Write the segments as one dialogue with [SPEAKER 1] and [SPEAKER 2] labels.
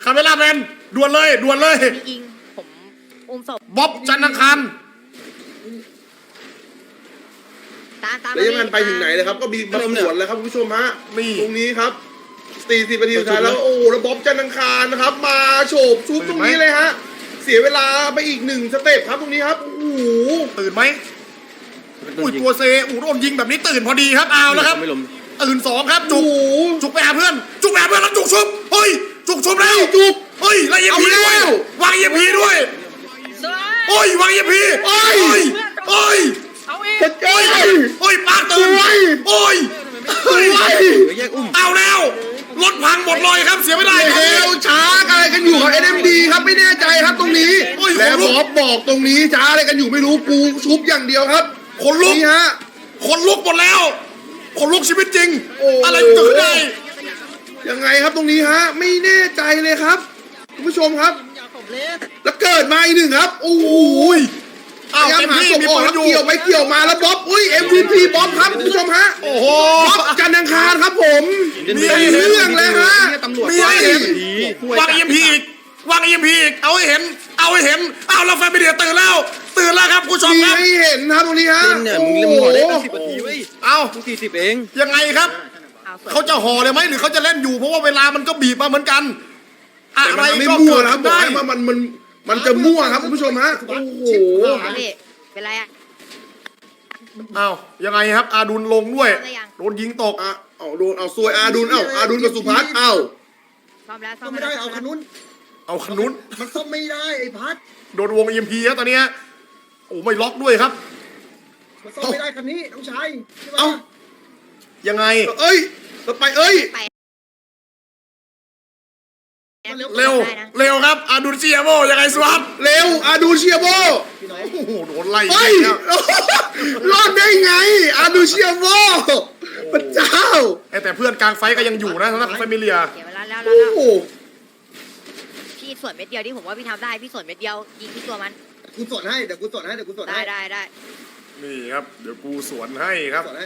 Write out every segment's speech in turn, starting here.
[SPEAKER 1] คาเมล่าแมนด่วนเลยด่วนเลย
[SPEAKER 2] พี่อิงผมอุ้มศพ
[SPEAKER 1] บ๊อบจันทร์อังคาร
[SPEAKER 2] ตาม
[SPEAKER 3] แล้วยังไงไปถึงไหนเลยครับก็มีมาสวนแล้วครับคุณผู้ชมฮะตรงนี้ครับ40 นาทีสุดท้ายแล้วโอ้แล้วบ๊อบจันทร์อังคารนะครับมาโฉบชุบตรงนี้เลยฮะเสียเวลาไปอีก1 สเต็ปครับตรงนี้ครับโอ้โห
[SPEAKER 1] ตื่นไหมอุ้ยตัวเซโดนยิงแบบนี้ตื่นพอดีครับเอาแล้วครับตื่น2ครับจุกจุกไปหาเพื่อนจุกไปหาเพื่อนแล้วจุกชุบเฮ้ยจุกชุบแล้วจุกเฮ้ยแล้วเอ็มพีด้วยวางเอ็มพีด้วยโอ้ยวางเอ็มพีโอ้ยโอ้ย
[SPEAKER 2] เอาอีก
[SPEAKER 3] โอ้ย
[SPEAKER 1] โอ้ยปากตื่นโอ้ยเฮ้ยเอาแล้วรถพังหมดเลยครับเสียไม่ได้
[SPEAKER 3] เฮลช้าอะไรกันอยู่กับ NMD ครับไม่แน่ใจครับตรงนี้แล้วบ๊อบบอกตรงนี้ช้าอะไรกันอยู่ไม่รู้กูชุบอย่างเดียวครับ
[SPEAKER 1] คนลุก
[SPEAKER 3] นี่ฮะ
[SPEAKER 1] คนลุกหมดแล้วคนลุกชีวิตจริงอะไรมันเกิดขึ้นได้
[SPEAKER 3] ยังไงครับตรงนี้ฮะไม่แน่ใจเลยครับคุณผู้ชมครับแล้วเกิดมาอีกหนึ่งครับโอ้โห
[SPEAKER 1] อ้าว
[SPEAKER 3] พยายาม
[SPEAKER 1] เต็ม
[SPEAKER 3] หา
[SPEAKER 1] ที่
[SPEAKER 3] ศพ
[SPEAKER 1] มี
[SPEAKER 3] ออก
[SPEAKER 1] ปืน
[SPEAKER 3] แล้ว
[SPEAKER 1] อยู่
[SPEAKER 3] เกี่ยวไปเกี่ยวมาแล้วบ๊อบอุ้ย MVP บ๊อบครับคุณผู้ชมฮะ
[SPEAKER 1] โอ้โห
[SPEAKER 3] บ๊อบจันทร์อังคารครับผม
[SPEAKER 1] มี
[SPEAKER 3] เป็นเรื่องเลยฮะ
[SPEAKER 1] มีให้เห็นวางเอ็มพีอีกวางเอ็มพีอีกเอาให้เห็นเอาให้เห็นเอาแล้วแฟนไปเดียตื่นแล้วครับคุณผู้ชม
[SPEAKER 3] มี
[SPEAKER 1] ครับ
[SPEAKER 3] ให้เห็นครับตรงนี้ฮะ
[SPEAKER 4] เนี่ย
[SPEAKER 3] โอ้
[SPEAKER 4] มึง
[SPEAKER 3] โห
[SPEAKER 4] เล่นหมอได้ตั้ง10 นาทีเว้ย
[SPEAKER 1] เอา
[SPEAKER 4] มึง40 เอง
[SPEAKER 1] ยังไงครับ เขาจะห่อเลยไหมหรือเขาจะเล่นอยู่เพราะว่าเวลามันก็บีบมาเหมือนกันอะ
[SPEAKER 3] แต่
[SPEAKER 1] ไร
[SPEAKER 3] มันไม่
[SPEAKER 1] ก็
[SPEAKER 3] มั่ว
[SPEAKER 1] เกิด
[SPEAKER 3] นะครับบอก
[SPEAKER 1] ได้
[SPEAKER 3] ให้ว่ามันจะมั่วครับคุณผู้ชมฮะโอ้โห
[SPEAKER 2] พี่เป็นไรอะ
[SPEAKER 1] เอายังไงครับอาดุลลงด้วย
[SPEAKER 2] ได้ยัง
[SPEAKER 1] โดนยิงตก
[SPEAKER 3] อ่ะเอาโดนเอาซวยอาดุลอาดุลกับสุพัฒน์เอา
[SPEAKER 2] ซ่อมแล้วซ่อ
[SPEAKER 5] ซ่อ
[SPEAKER 2] ม
[SPEAKER 5] มไม่
[SPEAKER 2] แล้
[SPEAKER 5] ได้
[SPEAKER 2] ว
[SPEAKER 5] เอาขนุน
[SPEAKER 1] เอาขนุน
[SPEAKER 5] มันซ่อมไม่ได้ไอ้พัด
[SPEAKER 1] โดนวงเอ็มพีครับตอนเนี้ยโอ้ไม่ล็อกด้วยครับ
[SPEAKER 5] มันซ่อมไม่ได้คันนี้น้องชายใช่ไหม
[SPEAKER 3] เอา
[SPEAKER 1] ยังไง
[SPEAKER 3] เอ้ยต่อไปเอ้ย
[SPEAKER 2] ไป
[SPEAKER 1] เร็วเร็วครับอาดุลเซียโบยังไงสวัสด
[SPEAKER 3] เร็วอาดูเชียโบ
[SPEAKER 5] พี่น้อง
[SPEAKER 1] โอ้โหโดนไล่
[SPEAKER 3] เฮ้ย
[SPEAKER 1] ครับ
[SPEAKER 3] รอดได้ไงอาดูเชียโบพระเจ้า
[SPEAKER 1] แต่เพื่อนกลางไฟก็ยังอยู่นะสำหรับแฟมิเลีย
[SPEAKER 2] เดี๋ยวเวลาแล้ว
[SPEAKER 3] โอ้โห
[SPEAKER 2] พี่สวนเม็ดเดียวที่ผมว่าพี่ทำได้พี่สวนเม็ดเดียวยิงที่ตัวมัน
[SPEAKER 5] กูสอนให้เดี๋ยวกูสอนให้เดี๋ยวกูสอน
[SPEAKER 2] ได้
[SPEAKER 5] ให้
[SPEAKER 2] ได้
[SPEAKER 1] นี่ครับเดี๋ยวกูสวนให้ครับ
[SPEAKER 5] สอนให้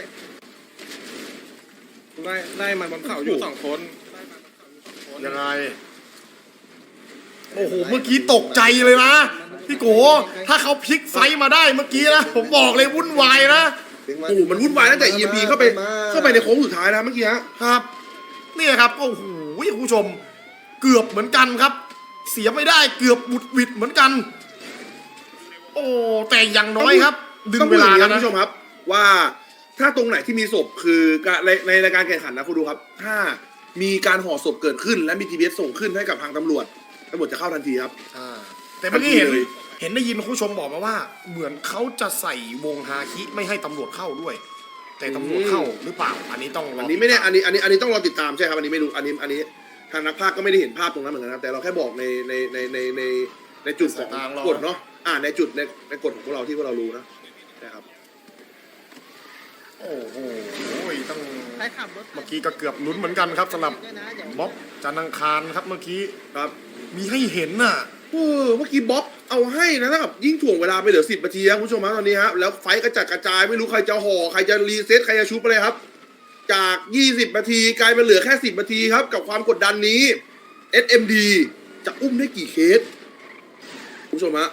[SPEAKER 4] ไล่มันบนเขาอยู่2 คน
[SPEAKER 1] ยังไงโอ้โหเมื่อกี้ตกใจเลยนะพี่โกถ้าเขาพลิกไฟมาได้เมื่อกี้นะผมบอกเลยวุ่นวายนะ
[SPEAKER 3] โอ้โหมันวุ่นวายตั้งแต่ EMP เข้าไปในโค้งสุดท้ายนะเมื่อกี้ฮะ
[SPEAKER 1] ครับนี่ครับโอ้โหคุณผู้ชมเกือบเหมือนกันครับ เสียไม่ได้เกือบบุดหวิดเหมือนกัน โอ้แต่อย่างน้อยครับ ดึง
[SPEAKER 3] ต้อง
[SPEAKER 1] เว
[SPEAKER 3] พูดอ
[SPEAKER 1] ลา
[SPEAKER 3] ย่างนี้
[SPEAKER 1] แล้ว
[SPEAKER 3] นะ
[SPEAKER 1] นะ
[SPEAKER 3] คุณผู้ชมครับ ว่าถ้าตรงไหนที่มีศพคือในรายการแข่งขันนะคุณดูครับ ถ้ามีการห่อศพเกิดขึ้น และมี TBS ส่งขึ้นให้กับทางตำรวจจะเข้าทันทีครับ
[SPEAKER 1] แต่เมื่อกี้เห็น
[SPEAKER 3] ทันทีเลย
[SPEAKER 1] เห็นได้ยินคุณผู้ชมบอกมาว่า เหมือนเขาจะใส่วงฮาคิไม่ให้ตำรวจเข้าด้วย แต่ตำรวจเข้าหรือเปล่าอันนี้ต้องรอ
[SPEAKER 3] อันนี้ไม่แน่อันนี้ต้องรอติดตามใช่ครับอันนี้ไม่รู้อันนี้ทางนักพากย์ก็ไม่ได้เห็นภาพตรงนั้นเหมือนกันครับแต่เราแค่บอกในจุดของกฎเนาะในจุดในกฎของพวกเราที่พวกเรารู้นะครับ
[SPEAKER 1] โอ้โหต้อง
[SPEAKER 5] ใครขับรถ
[SPEAKER 1] เมื่อกี้ก็เกือบลุ้นเหมือนกันครับสำหรับ
[SPEAKER 5] ด้วยนะอย่า
[SPEAKER 1] บ๊อบจันทร์อังคารครับเมื่อกี้
[SPEAKER 3] ครับ
[SPEAKER 1] มีให้เห็นน่ะ
[SPEAKER 3] เมื่อกี้บ๊อบเอาให้นะถ้ากับยิ่งถ่วงเวลาไปเหลือ10 นาทีครับคุณผู้ชมครับตอนนี้ฮะแล้วไฟกระจัดกระจายไม่รู้ใครจะห่อใครจะรีเซ็ตใครจะชุบอะไรครับ จาก20 นาทีกลายเป็นเหลือแค่10 นาทีครับกับความกดดันนี้ SMD จะอุ้มได้กี่เคสคุณผู้ชมฮะ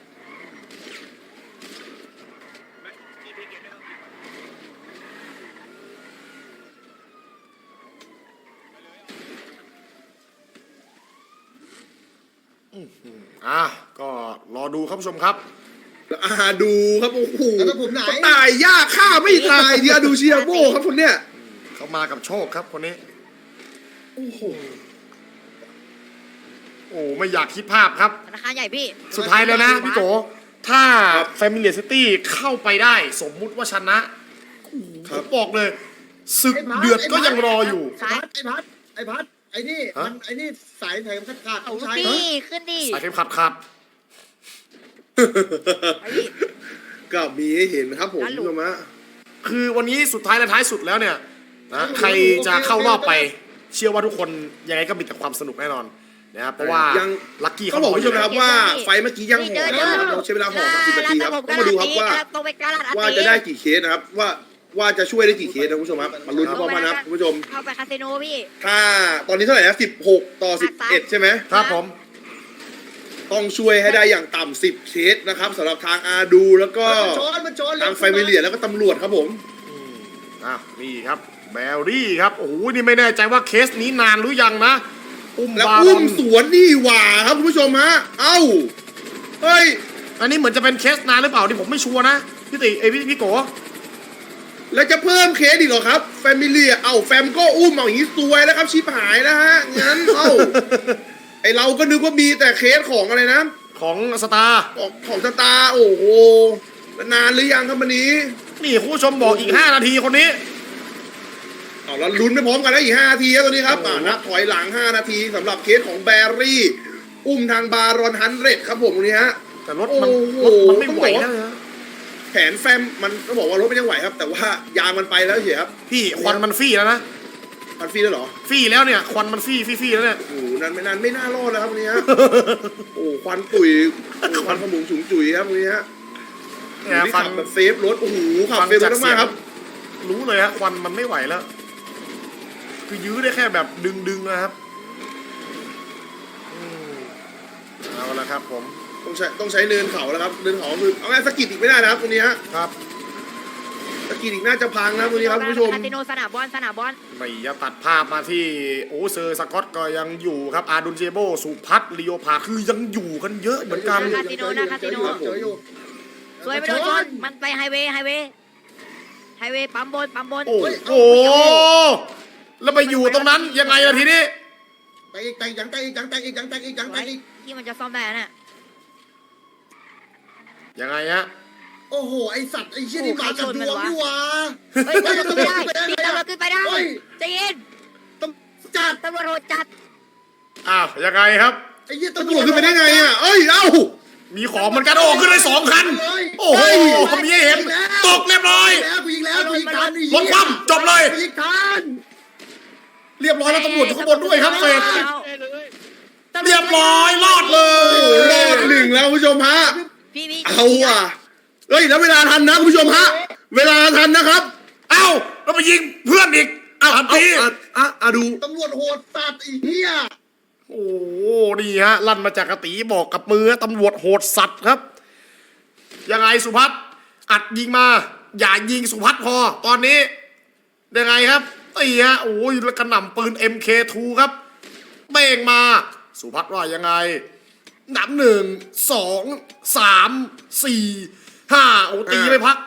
[SPEAKER 1] ก็รอดูครับผู้ชมครับ
[SPEAKER 3] ดูครับโอ้โห
[SPEAKER 5] แล้วผมไหน
[SPEAKER 3] ตายยากฆ่าไม่ตายเดียดูเชียโบครับคนเนี้ย
[SPEAKER 1] เขามากับโชคครับคนนี้
[SPEAKER 3] โอ้โห
[SPEAKER 1] โอ้ไม่อยากคิดภาพครับ
[SPEAKER 2] ธนาคารใหญ่พี่
[SPEAKER 1] สุดท้ายแล้วนะพี่โกถ้า Familiar City เข้าไปได้สมมุติว่าชนะผมบอกเลยศึกเดือดก็ยังรออยู่
[SPEAKER 5] ไอ้พัดไอ้นี่มันไอ้นี่สายแถมขาด
[SPEAKER 2] เอา
[SPEAKER 5] น้องชาย
[SPEAKER 2] ดิขึ้นดิ
[SPEAKER 1] สายเข็มขัด
[SPEAKER 3] ก็มีให้เห็นครับผมคุณผู้ชมฮะ
[SPEAKER 1] คือวันนี้สุดท้ายและท้ายสุดแล้วเนี่ยนะใครจะเข้ารอบไป เชื่อว่าทุกคนยังไงก็มีแต่ความสนุกแน่นอนนะครับเพราะว่าลัคกี้
[SPEAKER 3] เขา
[SPEAKER 1] เขา
[SPEAKER 3] บบ อ
[SPEAKER 1] อก ก
[SPEAKER 3] คุณผู้ชม
[SPEAKER 1] อยู่
[SPEAKER 3] นะ
[SPEAKER 1] แล้
[SPEAKER 3] คว รับว่าไฟเมื่อกี้ยังห่อนะครับเราใช้เวลาห่อ30 นาทีครับต้องมาดูครับว่าจะได้กี่เคสนะครับว่าว่าจะช่วยได้กี่เคสนะคุณผู้ชมครับมาลุ้นพร้อมกันนะครับคุณผู้ชม
[SPEAKER 2] เข้าไปคาสิโนพี่
[SPEAKER 3] ถ้าตอนนี้เท่าไหร่นะ16 ต่อ 11 ใช่ไหม
[SPEAKER 1] ครับผม
[SPEAKER 3] ต้องช่วยให้ได้อย่างต่ำ10 เคสนะครับสำหรับทางอาดูแล้วก็
[SPEAKER 5] มันโจร
[SPEAKER 3] ทางไฟมิเลียแล้วก็ตำรวจครับผม
[SPEAKER 1] นี่ครับแบรี่ครับโอ้โหนี่ไม่แน่ใจว่าเคสนี้นานหรือยังนะอุ้ม
[SPEAKER 3] แล้ว
[SPEAKER 1] บา
[SPEAKER 3] อุ้
[SPEAKER 1] รอ
[SPEAKER 3] ม
[SPEAKER 1] น
[SPEAKER 3] สวนนี่หว่าครับคุณผู้ชมฮะเอ้าเฮ้ย
[SPEAKER 1] อันนี้เหมือนจะเป็นเคสนานหรือเปล่าที่ผมไม่ชัวร์นะพี่ติพี่โก
[SPEAKER 3] แล้วจะเพิ่มเคสอีกเหรอครับแฟมิเลียแฟมก็อุ้มเอาอย่างนี้ซวยแล้วครับชิบหายแล้วฮะงั้นไอเราก็นึกว่ามีแต่เคสของอะไรนะ
[SPEAKER 1] ของสตาร์
[SPEAKER 3] ของสตาร์โอ้โหนานหรือยังครับวันนี้
[SPEAKER 1] นี่คุณผู้ชมบอกอีก5 นาทีคนนี้
[SPEAKER 3] เอาแล้วลุ้นไปพร้อมกันแล้วอีก5 นาทีครับตอนนี้ครับนับถอยหลัง5 นาทีสำหรับเคสของแบรี่อุ้มทางบารอน100ครับผมตรงนี้ฮะ
[SPEAKER 1] แต่รถ
[SPEAKER 3] โอ้
[SPEAKER 1] มัน
[SPEAKER 3] โห
[SPEAKER 1] ไม่ไหวแล้วนะ
[SPEAKER 3] แผนแฟมมันต้องบอกว่ารถมันยังไหวครับ แต่ว่ายางมันไปแล้วเฉยครับ
[SPEAKER 1] พี่ควันมันฟี่แล้วนะ
[SPEAKER 3] มันฟรีแล้วเหรอ
[SPEAKER 1] ฟี่แล้วเนี่ยควันมันฟี่แล้วเนี่ย
[SPEAKER 3] โอ้โหนั้นไม่น่ารอดแล้วครับวันนี้ฮะ โอ้ควันตุ๋ยควันขมุงฉุงจุ๋ยครับวันนี้ฮะ
[SPEAKER 1] เนี่ย
[SPEAKER 3] นี่
[SPEAKER 1] ฟั
[SPEAKER 3] ขั
[SPEAKER 1] ง
[SPEAKER 3] บแบบเซฟรถโอ้โหขับเซฟรถมากครับ
[SPEAKER 1] รู้เลยฮะควันมันไม่ไหวแล้ว คือยื้อได้แค่แบบดึงนะครับเอาละครับผม
[SPEAKER 3] ต้องใช้เนินเขาแล้วครับเนินเขาคือเอาไงสกิดอีกไม่ได้นะครับตรงนี้ฮะ
[SPEAKER 1] ครับ
[SPEAKER 3] สกิดอีกน่าจะพังนะตรงนี้ครับคุณผู้ชม
[SPEAKER 2] คาสิโนสนามบอล
[SPEAKER 1] ไม่จะตัดภาพมาที่โอเซอร์สกอตก็ยังอยู่ครับอาดุนเจโบสุพัฒน์ลีโอพาคือยังอยู่กันเยอะเหมือนกัน
[SPEAKER 2] คาสิโนนะคาสิโน
[SPEAKER 5] เจออยู่
[SPEAKER 2] สวยไปโดนชนมันไปไฮเวย์ปั๊มบน
[SPEAKER 1] โอ้โหแล้วไปอยู่ตรงนั้นยังไงล่ะทีนี้
[SPEAKER 5] แต่อีก
[SPEAKER 2] ที่มันจะซ่อมได้น่ะ
[SPEAKER 1] ยังไงฮะ
[SPEAKER 5] โอ้โหไอสัตว์ไอเชี่ยนี่มากับดวงนี่วะ
[SPEAKER 2] เฮ้ยขึ้นไม่ได้พี่ตำรวจขึ้นไปได้ใจเย็น
[SPEAKER 5] จัด
[SPEAKER 2] ตำรวจโหดจัด
[SPEAKER 1] อ้าวยังไงครับ
[SPEAKER 5] ไอเหี้ย
[SPEAKER 3] ตำรวจขึ้นไปได้ไงอ่ะเอ้ยเอ้า
[SPEAKER 1] มีของเหมือนกันโอ้ขึ้นได้2 คัน โอ้โหมีให้เห็นตกเรียบร้อย
[SPEAKER 5] กูยิงแล้วกูยิงทัน
[SPEAKER 1] รถคว่ำจบเลย
[SPEAKER 5] กูยิงทัน
[SPEAKER 1] เรียบร้อยแล้วตำรวจอยู่ข้างบนด้วยครับเฟสเรียบร้อยรอดเล
[SPEAKER 3] โอ้โหรอด
[SPEAKER 1] ย
[SPEAKER 3] 1แล้วคุณผู้ชมฮะ
[SPEAKER 2] พี่
[SPEAKER 3] เอาว่ะเฮ้ยแล้วเวลาทันนะคุณผู้ชมฮะเวลาทันนะครับ
[SPEAKER 1] เอ้าแล้วไปยิงเพื่อนอีกอ้าวที
[SPEAKER 3] ดู
[SPEAKER 5] ตำรวจโหดสัตว์ไอ้เหี้ย
[SPEAKER 1] โอ้นี่ฮะลั่นมาจากกระตีบอกกับมือตำรวจโหดสัตว์ครับ ยังไงสุพัฒน์อัดยิงมาอย่ายิงสุพัฒน์พอตอนนี้ยังไงครับตีฮะโอ้ยแล้วกระหน่ำปืน MK2 ครับเบ่งมาสุพัฒน์ว่ายังไงนับ1 2 3 4 5โอ้ตีไม่พัก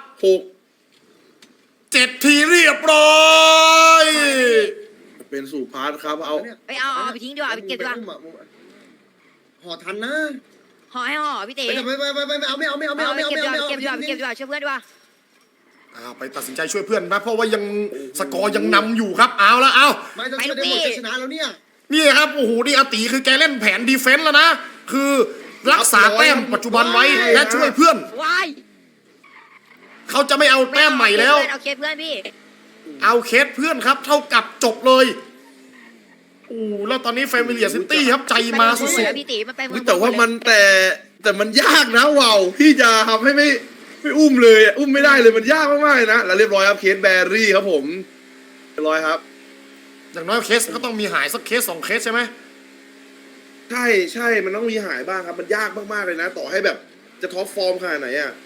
[SPEAKER 1] 7 ทีเรียบร้อย
[SPEAKER 3] เป็นสุพาร์ทครับเอา
[SPEAKER 2] ไปเอาไปทิ้งดีกว่าไปเก็บดีกว่า
[SPEAKER 5] ห่อทันนะ
[SPEAKER 2] ห่อให้ห่อพี่เต๋
[SPEAKER 5] ไม่เอา
[SPEAKER 2] เก็บดีกว่าช่วยเพื่อนดีกว่า
[SPEAKER 1] ไปตัดสินใจช่วยเพื่อนนะเพราะว่ายังสกอร์ยังนำอยู่ครับเอาแล้วเอา
[SPEAKER 5] ไม่ต้องช่วยได้หมดจะชนะแล้วเนี่ย
[SPEAKER 1] นี่ครับโอ้โหนี่อาตีคือแกเล่นแผนดีเฟนส์แล้วนะคือรักษาแต้มปัจจุบันไว้และช่วยเพื่อน
[SPEAKER 2] ว้าย
[SPEAKER 1] เขาจะไม่เอาแต้มใหม่แล้ว
[SPEAKER 2] เอาเคสเพื่อนพี่
[SPEAKER 1] เอาเคสเพื่อนครับเท่ากับจบเลยโอ้แล้วตอนนี้แฟมิเลียซิตี้ครับใจมาสุด
[SPEAKER 2] พี่ตีมันไป
[SPEAKER 3] แต่ว่ามันแต่มันยากนะว่าวพี่จะทำให้ไม่อุ้มเลยอุ้มไม่ได้เลยมันยากมากๆเลยนะแล้วเรียบร้อยครับเคสแบรี่ครับผมเรียบร้อยครับ
[SPEAKER 1] ๆอย่างน้อยเคสก็ต้องมีหายสักเคส2 เคสใช่ไหม
[SPEAKER 3] ใช่มันต้องมีหายบ้างครับมันยากมากๆเลยนะ ต่อให้แบบจะท็อปฟอร์มขนาดไหนอ่ะ